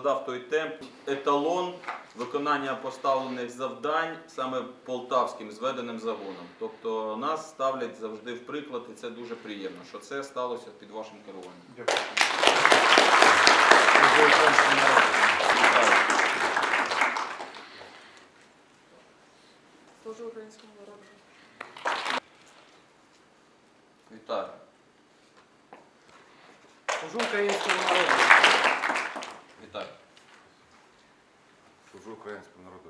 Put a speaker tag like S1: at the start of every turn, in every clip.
S1: задав той темп, еталон виконання поставлених завдань саме полтавським зведеним загоном. Тобто нас ставлять завжди в приклад, і це дуже приємно, що це сталося під вашим керуванням.
S2: Дякую.
S3: Служу українському народу.
S1: Вітаю.
S2: Служу українському народу.
S1: Вітаю.
S4: Служу українському народу.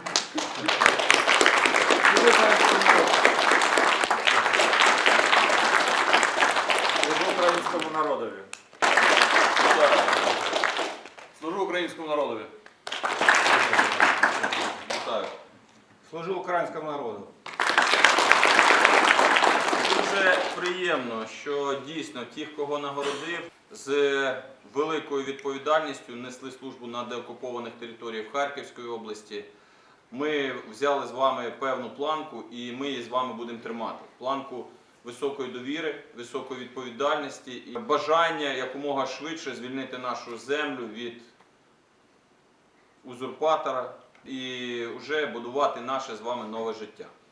S2: Служу українському народу.
S4: Служу українському народові.
S1: Служу українському народові. Вітаю.
S4: Служу українському народу.
S1: Дуже приємно, що дійсно ті, кого нагородив, з великою відповідальністю несли службу на деокупованих територіях Харківської області. Ми взяли з вами певну планку і ми її з вами будемо тримати. Планку високої довіри, високої відповідальності і бажання якомога швидше звільнити нашу землю від узурпатора і вже будувати наше з вами нове життя.